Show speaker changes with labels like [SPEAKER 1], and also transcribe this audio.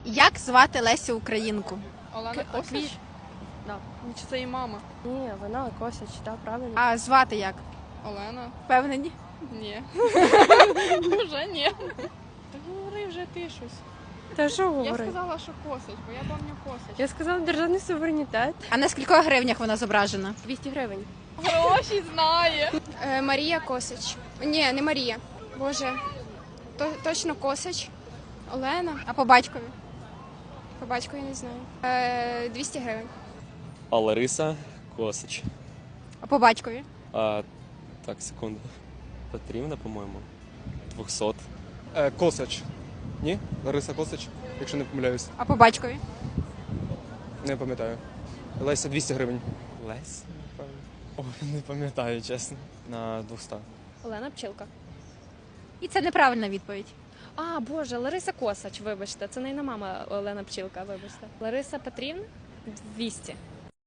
[SPEAKER 1] Як звати Лесю Українку?
[SPEAKER 2] Олена Косач?
[SPEAKER 3] Да.
[SPEAKER 2] Ну, чи це її мама?
[SPEAKER 3] Ні, вона Косач, так, правильно.
[SPEAKER 1] А звати як?
[SPEAKER 2] Олена?
[SPEAKER 1] Впевнені?
[SPEAKER 2] Ні. Вже ні. Та говори вже ти щось.
[SPEAKER 3] Та що
[SPEAKER 2] Я
[SPEAKER 3] говорить?
[SPEAKER 2] сказала, що Косач, бо я пам'ятаю Косач.
[SPEAKER 3] Я сказала державний суверенітет.
[SPEAKER 1] А на скількох гривнях вона зображена?
[SPEAKER 3] 200 гривень.
[SPEAKER 2] Гроші знає.
[SPEAKER 4] Марія Косач. Ні, не Марія. Боже, точно Косач. Олена.
[SPEAKER 1] А по батькові?
[SPEAKER 4] По батьку я не знаю. 200 гривень.
[SPEAKER 5] А Лариса Косач.
[SPEAKER 1] А по батькові?
[SPEAKER 5] Так, секунду. Петрівна, по-моєму. 200.
[SPEAKER 6] Косач. Ні? Лариса Косач, якщо не помиляюсь.
[SPEAKER 1] А по батькові?
[SPEAKER 6] Не пам'ятаю. Леся 200 гривень.
[SPEAKER 5] Лесь, напевно. Ой, не пам'ятаю, чесно. На 200.
[SPEAKER 3] Олена Пчілка.
[SPEAKER 1] І це неправильна відповідь.
[SPEAKER 3] А, Боже, Лариса Косач, вибачте. Це не мама Олена Пчілка, вибачте. Лариса Петрівна? 200.